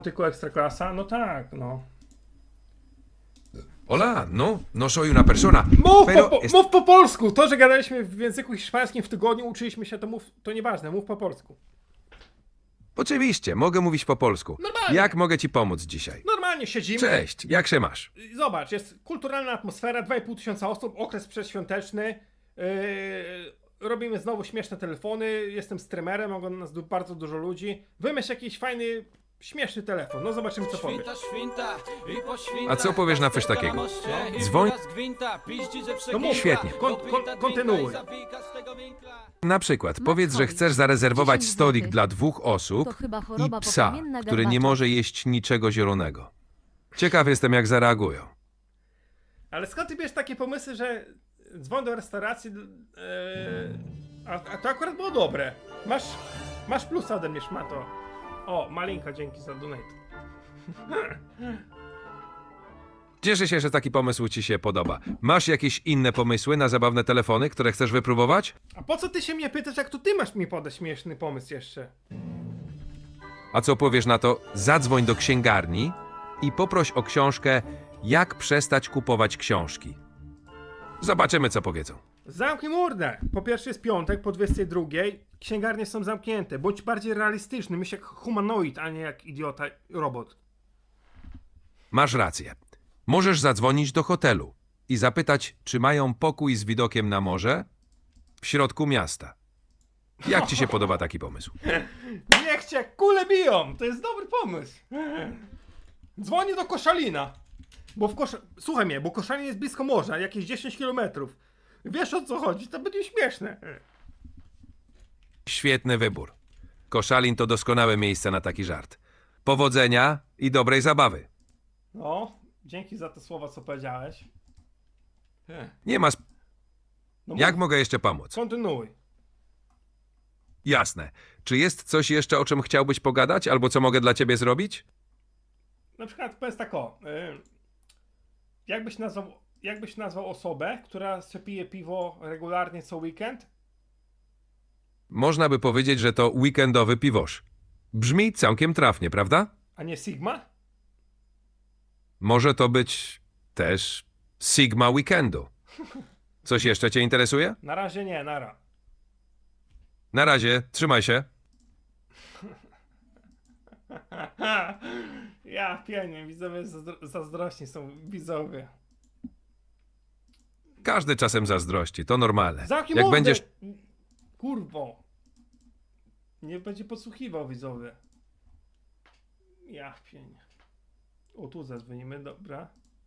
Tylko Ekstraklasa? No tak, no. Hola, no soy una persona. Mów po polsku! To, że gadaliśmy w języku hiszpańskim w tygodniu, uczyliśmy się, to nieważne, mów po polsku. Oczywiście, mogę mówić po polsku. Normalnie. Jak mogę ci pomóc dzisiaj? Normalnie siedzimy. Cześć, jak się masz? Zobacz, jest kulturalna atmosfera, 2,5 tysiąca osób, okres przedświąteczny. Robimy znowu śmieszne telefony, jestem streamerem, ogląda nas bardzo dużo ludzi. Wymyśl jakiś fajny, śmieszny telefon, no zobaczymy co powiesz. A co powiesz na coś takiego? Dzwoń. No mów, Świetnie. Kontynuuj. Na przykład, powiedz, że chcesz zarezerwować 10 stolik złotych. dla 2 osób To chyba i choroba psa, poplamienna który nie garbacza. może jeść niczego zielonego. Ciekaw jestem, jak zareagują. Ale skąd ty bierzesz takie pomysły, że dzwoń do restauracji, a to akurat było dobre. Masz plusa ode mnie, szmato. O, Malinka, dzięki za donate. Cieszę się, że taki pomysł ci się podoba. Masz jakieś inne pomysły na zabawne telefony, które chcesz wypróbować? A po co ty się mnie pytasz, jak to ty masz mi podać śmieszny pomysł jeszcze? A co powiesz na to? Zadzwoń do księgarni i poproś o książkę Jak przestać kupować książki. Zobaczymy, co powiedzą. Zamknij mordę! Po pierwsze jest piątek, po 22. Księgarnie są zamknięte. Bądź bardziej realistyczny, myśl jak humanoid, a nie jak idiota robot. Masz rację. Możesz zadzwonić do hotelu i zapytać, czy mają pokój z widokiem na morze w środku miasta. Jak ci się podoba taki pomysł? Niech cię kule biją! To jest dobry pomysł. Dzwonię do Koszalina. Słuchaj mnie, bo Koszalin jest blisko morza, jakieś 10 km. Wiesz o co chodzi, to będzie śmieszne. Świetny wybór. Koszalin to doskonałe miejsce na taki żart. Powodzenia i dobrej zabawy. No, dzięki za te słowa, co powiedziałeś. Nie ma. No Jak mów, mogę jeszcze pomóc? kontynuuj. Jasne. Czy jest coś jeszcze, o czym chciałbyś pogadać, albo co mogę dla ciebie zrobić? Na przykład powiedz tak o. Jakbyś nazwał osobę, która pije piwo regularnie co weekend? Można by powiedzieć, że to weekendowy piwosz. Brzmi całkiem trafnie, prawda? A nie Sigma? Może to być też Sigma Weekendu. Coś jeszcze cię interesuje? Na razie nie, nara. Na razie, trzymaj się. Ja pienię, widzowie zazdrośni są widzowie. Każdy czasem zazdrości, to normalne. Zamknij Jak mordę! będziesz... Kurwo. Nie będzie podsłuchiwał widzowie. Ja pienię. O, tu zadzwonimy, dobra.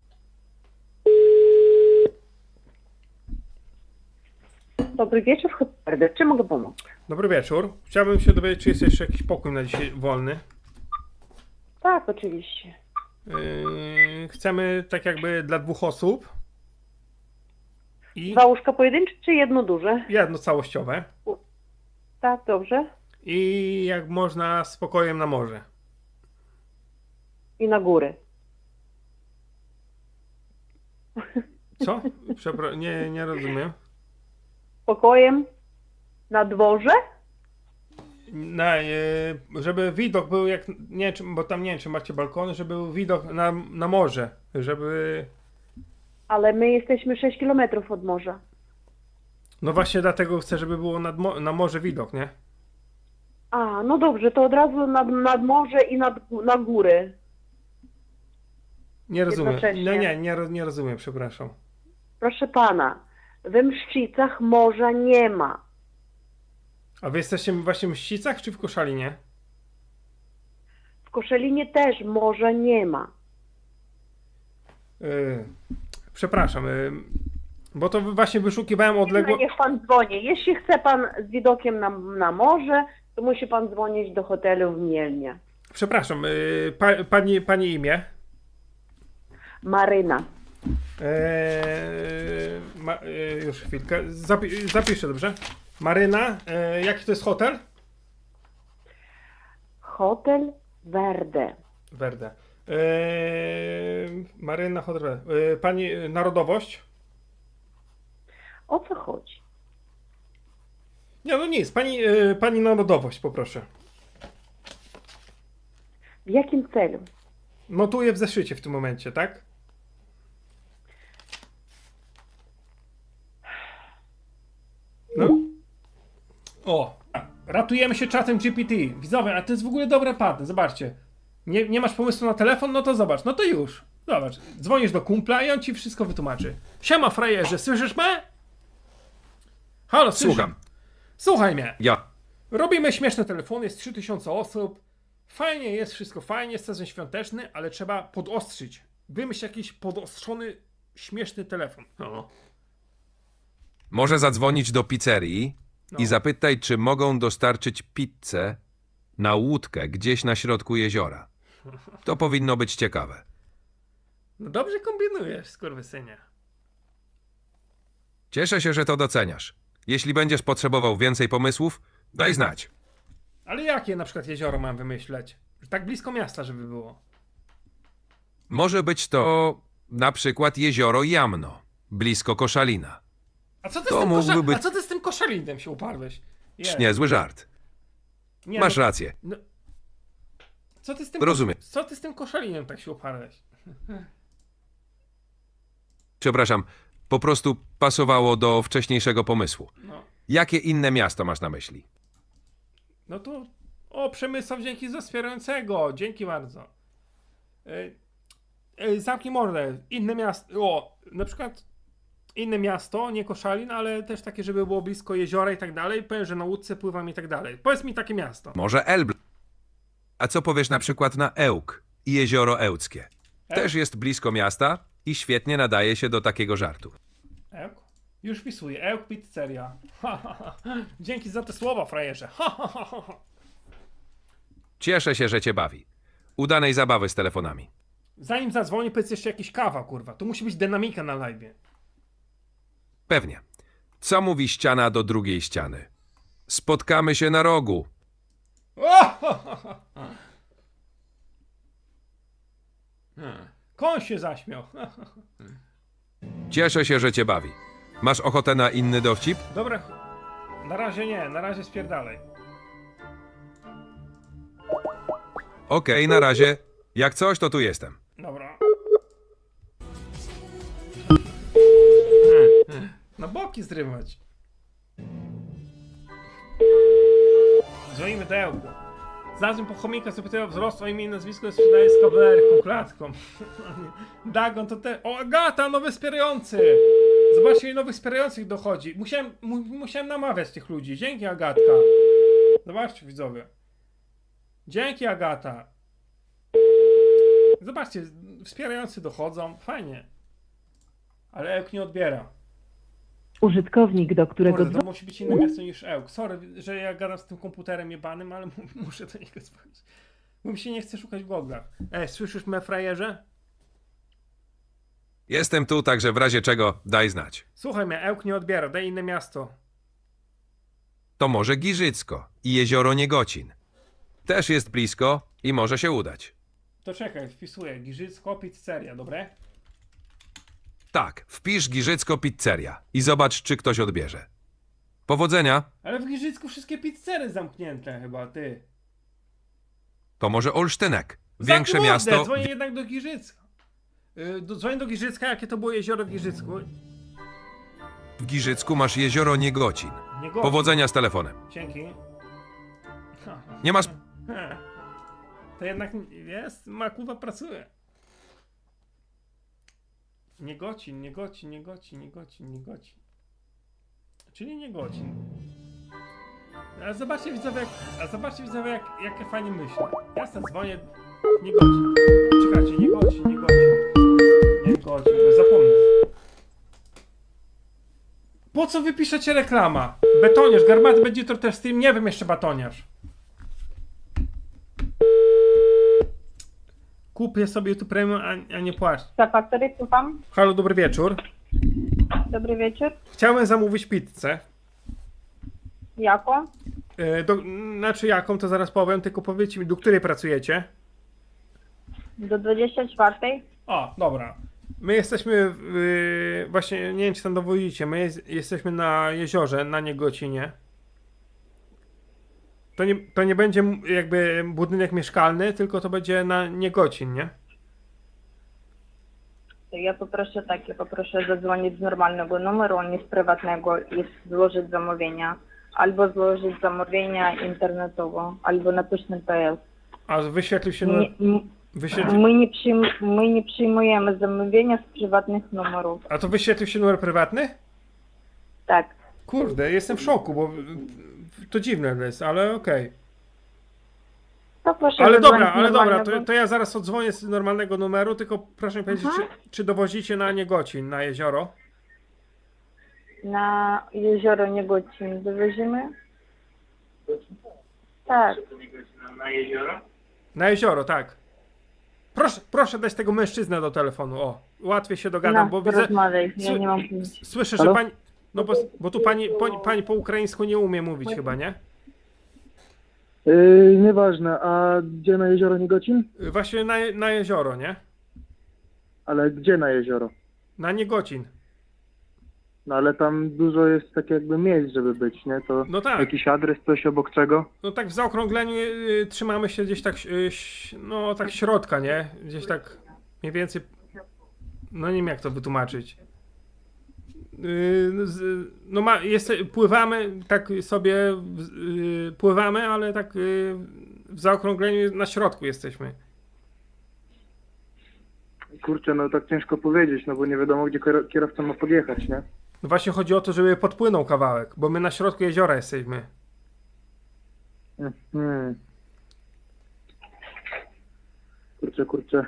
Dobry wieczór, Hotbarder. Czy mogę pomóc? Dobry wieczór. Chciałbym się dowiedzieć, czy jest jeszcze jakiś pokój na dzisiaj wolny. Tak, oczywiście. Chcemy tak jakby dla 2 osób. I 2 łóżka pojedyncze czy jedno duże? jedno całościowe. Tak, dobrze. I jak można z pokojem na morze. I na góry. Co? Nie rozumiem. Pokojem na dworze? Żeby widok był jak, nie wiem, bo tam nie wiem, czy macie balkony, żeby był widok na morze, żeby, Ale my jesteśmy 6 kilometrów od morza. no właśnie dlatego chcę, żeby było na morze widok, nie? A, no dobrze, to od razu nad morze i na góry. Nie rozumiem, Jednocześnie. nie rozumiem, przepraszam. Proszę pana, we Mszczycach morza nie ma. A wy jesteście właśnie w Mścicach, czy w Koszalinie? W Koszalinie też morza nie ma. Przepraszam, bo to właśnie wyszukiwałem odległo... Niech pan dzwoni. Jeśli chce pan z widokiem na morze, to musi pan dzwonić do hotelu w Mielnie. Przepraszam, pani imię? Maryna. Już chwilkę, zapiszę, dobrze? Maryna, jaki to jest hotel? Hotel Verde. Verde. Maryna, hotel Verde. Pani narodowość? O co chodzi? Nie, no nic, pani narodowość poproszę. W jakim celu? Notuję w zeszycie w tym momencie, tak? No. O, ratujemy się czatem GPT. Widzowie, a to jest w ogóle dobre patent, zobaczcie. Nie masz pomysłu na telefon? No to zobacz, no to już. Zobacz, dzwonisz do kumpla i on ci wszystko wytłumaczy. Siema frajerze, słyszysz mnie? Halo, słyszę. Słucham. Słuchaj mnie. Ja. Robimy śmieszne telefony, jest 3000 osób. Fajnie jest, wszystko fajnie, jest sezon świąteczny, ale trzeba podostrzyć. Wymyśl jakiś podostrzony, śmieszny telefon. No. Może zadzwonić do pizzerii No. i zapytaj, czy mogą dostarczyć pizzę na łódkę gdzieś na środku jeziora. To powinno być ciekawe. No dobrze kombinujesz, skurwysynie. Cieszę się, że to doceniasz. Jeśli będziesz potrzebował więcej pomysłów, daj znać. Ale jakie na przykład jezioro mam wymyśleć? Tak blisko miasta, żeby było. Może być to na przykład jezioro Jamno, blisko Koszalina. A co ty, To z, tym mógłby być- a co ty z tym koszalinem się uparłeś? Jest. Niezły żart. Nie, Masz no, rację. no, co ty z tym Rozumiem. Co ty z tym koszalinem tak się uparłeś? Przepraszam, po prostu pasowało do wcześniejszego pomysłu. No. Jakie inne miasto masz na myśli? No to. O, Przemysław, dzięki za wspierającego. Dzięki bardzo. Zamknij mordę. Inne miasto. O, na przykład inne miasto, nie Koszalin, ale też takie, żeby było blisko jeziora i tak dalej. Powiem, że na łódce pływam i tak dalej. Powiedz mi takie miasto. Może Elbląg. A co powiesz na przykład na Ełk i jezioro Ełckie? Też jest blisko miasta i świetnie nadaje się do takiego żartu. Ełk? Już wpisuję. Ełk Pizzeria. Ha, ha, ha. Dzięki za te słowa, frajerze. Ha, ha, ha, ha. Cieszę się, że cię bawi. Udanej zabawy z telefonami. Zanim zadzwonię, powiedz jeszcze jakiś kawa, kurwa. To musi być dynamika na live. Pewnie. Co mówi ściana do drugiej ściany? Spotkamy się na rogu. Koń się zaśmiał. Cieszę się, że cię bawi. Masz ochotę na inny dowcip? Dobra, na razie nie, na razie spierdalaj. Okej, na razie. Jak coś, to tu jestem. Dobra. Na boki zrywać. Dzwonimy do Ełku. Znalazłem po chomika, zapytałem o wzrost, o imię i nazwisko, sprzedaję z kawalerką, klatką. Dagon to te... O, Agata, nowy wspierający! Zobaczcie, ile nowych wspierających dochodzi. Musiałem namawiać tych ludzi. Dzięki, Agatka. Zobaczcie, widzowie. Dzięki, Agata. Zobaczcie, wspierający dochodzą. Fajnie. Ale Ełk nie odbiera. Użytkownik, do którego Kurde, to musi być inne miasto niż Ełk. Sorry, że ja gadam z tym komputerem jebanym, ale muszę do niego dzwonić. Bo mi się nie chce szukać w goglach. Słyszysz mnie, frajerze? Jestem tu, także w razie czego daj znać. Słuchaj mnie, Ełk nie odbiera, daj inne miasto. To może Giżycko i jezioro Niegocin. Też jest blisko i może się udać. To czekaj, wpisuję. Giżycko, Pizzeria, dobre? Tak, wpisz Giżycko Pizzeria i zobacz, czy ktoś odbierze. Powodzenia. Ale w Giżycku wszystkie pizzery zamknięte chyba, ty. To może Olsztynek. Większe Zamknij mordę, miasto. Dzwonię jednak do Giżycka. Dzwonię do Giżycka, jakie to było jezioro w Giżycku. W Giżycku masz jezioro Niegocin. Nie gorzej. Powodzenia z telefonem. Dzięki. Nie masz... To jednak jest, Makuwa pracuje. Niegocin, Niegocin, Niegocin, Niegocin, Niegocin. Czyli Niegocin. A zobaczcie widzowie, jakie fajnie myślę. Ja sobie dzwonię. Niegocin. Czekajcie, Niegocin, Niegocin. Niegocin, bo zapomnę. Po co wy piszecie reklama? Betoniarz, Garmaty będzie to też Steam, nie wiem jeszcze batoniarz. Kupię sobie YouTube Premium, a nie płacz. Factory, słucham. Halo, dobry wieczór. Dobry wieczór. Chciałem zamówić pizzę. Jaką? Znaczy jaką, to zaraz powiem, tylko powiedzcie mi, do której pracujecie? Do 24. O, dobra. My jesteśmy, właśnie, nie wiem czy tam dowodzicie, my jesteśmy na jeziorze, na Niegocinie. To nie będzie jakby budynek mieszkalny, tylko to będzie na Niegocin, nie? To ja poproszę zadzwonić z normalnego numeru, a nie z prywatnego i złożyć zamówienia. Albo złożyć zamówienia internetowo, albo na pyszny.pl. A wyświetlił się numer... My nie przyjmujemy zamówienia z prywatnych numerów. A to wyświetlił się numer prywatny? Tak. Kurde, jestem w szoku, bo to dziwne jest, ale okej. To proszę Ale zadzwonić dobra, z normalnego. to ja zaraz odzwonię z normalnego numeru, tylko proszę mi powiedzieć, czy dowozicie na Niegocin, na jezioro? Na jezioro Niegocin dowozimy? Tak. Na jezioro, tak. Proszę dać tego mężczyznę do telefonu, o. Łatwiej się dogadam, bo widzę... Rozmawiaj, ja nie mam pojęcia. Słyszę, że Halo? pani... No bo tu pani po ukraińsku nie umie mówić chyba, nie? Nieważne, a gdzie na jezioro Niegocin? Właśnie na jezioro, nie? Ale gdzie na jezioro? Na Niegocin. No ale tam dużo jest tak jakby miejsc, żeby być, nie? To No tak. jakiś adres, coś obok czego? No tak w zaokrągleniu trzymamy się gdzieś tak, no tak środka, nie? Gdzieś tak mniej więcej, no nie wiem jak to wytłumaczyć. No pływamy, tak sobie pływamy, ale tak w zaokrągleniu na środku jesteśmy. Kurczę, no tak ciężko powiedzieć, no bo nie wiadomo, gdzie kierowca ma podjechać, nie? No właśnie chodzi o to, żeby podpłynął kawałek, bo my na środku jeziora jesteśmy. Hmm. Kurczę.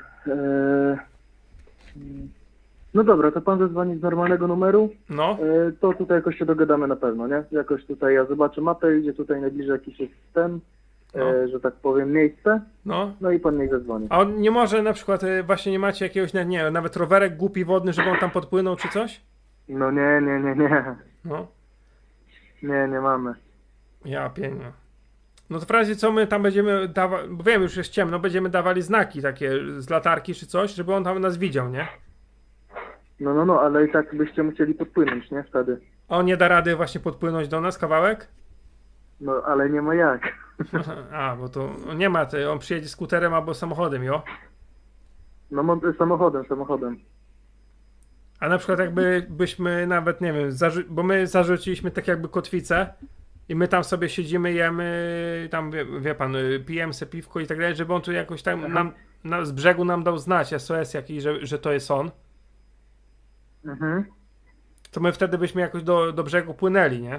No dobra, to pan zadzwoni z normalnego numeru, No, to tutaj jakoś się dogadamy na pewno, nie? Jakoś tutaj ja zobaczę mapę, gdzie tutaj najbliżej jakiś jest ten, No. że tak powiem, miejsce, no. no i pan niech zadzwoni. A on nie może na przykład, właśnie nie macie jakiegoś, nie wiem, nawet rowerek głupi wodny, żeby on tam podpłynął czy coś? No nie. No, Nie mamy. ja pienię. No to w razie co my tam będziemy dawać, bo wiem, już jest ciemno, będziemy dawali znaki takie z latarki czy coś, żeby on tam nas widział, nie? No, ale i tak byście musieli podpłynąć, nie? Wtedy. A on nie da rady właśnie podpłynąć do nas kawałek? No, ale nie ma jak. A, bo to nie ma, on przyjedzie skuterem albo samochodem, jo? No, samochodem. A na przykład byśmy nawet, nie wiem, bo my zarzuciliśmy tak jakby kotwicę i my tam sobie siedzimy, jemy, tam wie pan, pijemy se piwko i tak dalej, żeby on tu jakoś tam z brzegu nam dał znać SOS jakiś, że to jest on. Mhm. To my wtedy byśmy jakoś do brzegu płynęli, nie?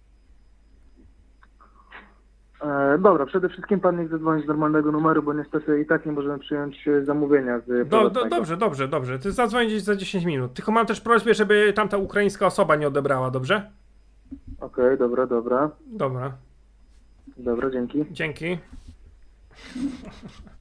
Dobra, przede wszystkim pan niech zadzwoni z normalnego numeru, bo niestety i tak nie możemy przyjąć zamówienia z prywatnego. Dobrze. Ty zadzwoń gdzieś za 10 minut. Tylko mam też prośbę, żeby tamta ukraińska osoba nie odebrała, dobrze? Okej, dobra. Dobra, Dobra, dzięki. dzięki.